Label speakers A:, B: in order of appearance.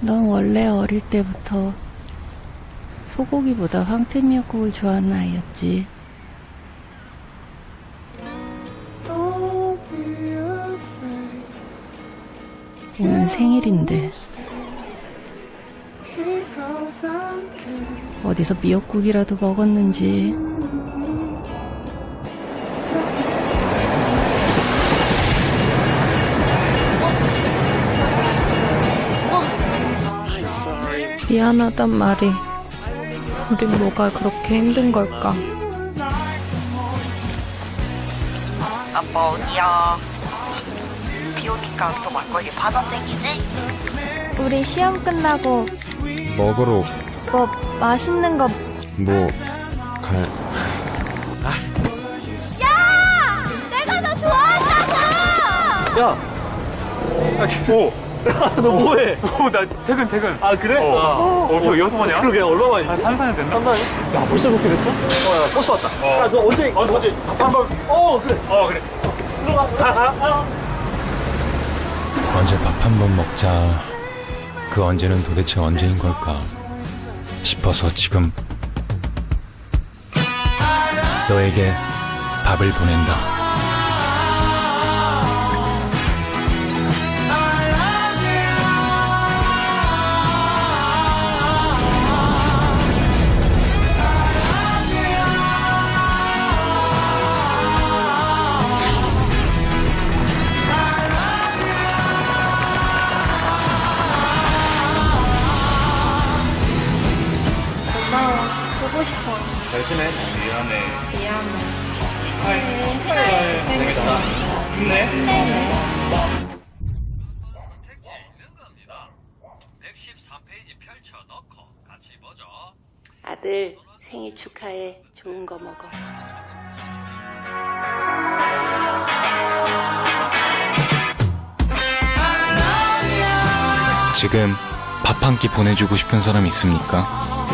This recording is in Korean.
A: 넌 원래 어릴 때부터 소고기보다 황태미역국을 좋아하는 아이였지. 오늘 생일인데 어디서 미역국이라도 먹었는지. 미안하단 말이 우린 뭐가 그렇게 힘든 걸까?
B: 아빠 어디야? 비 오니까 또 막걸리 파전 땡기지?
C: 우리 시험 끝나고
D: 먹으러
C: 뭐 맛있는 거.
D: 뭐 갈.
C: 야! 내가 너 좋아한다고!
E: 야! 너 뭐해?
F: 나 퇴근.
E: 아, 그래?
F: 저 여섯 번이야?
E: 그러게, 얼마만이지?
F: 한 3, 4년 됐나?
E: 3달? 야, 벌써 그렇게 됐어? 야, 버스 왔다. 야, 너 언제?
F: 언제?
E: 한번. 그래.
F: 그래.
E: 들어가.
G: 언제 밥 한 번 먹자. 그 언제는 도대체 언제인 걸까 싶어서 지금 너에게 밥을 보낸다.
C: 보고 싶어.
F: 잘 지내? 미안해. 재밌다. 힘내.
H: 택지에 있는 겁니다. 113페이지 펼쳐놓고 같이 보죠.
A: 아들 생일 축하해. 좋은 거 먹어.
G: 지금 밥 한 끼 보내주고 싶은 사람 있습니까?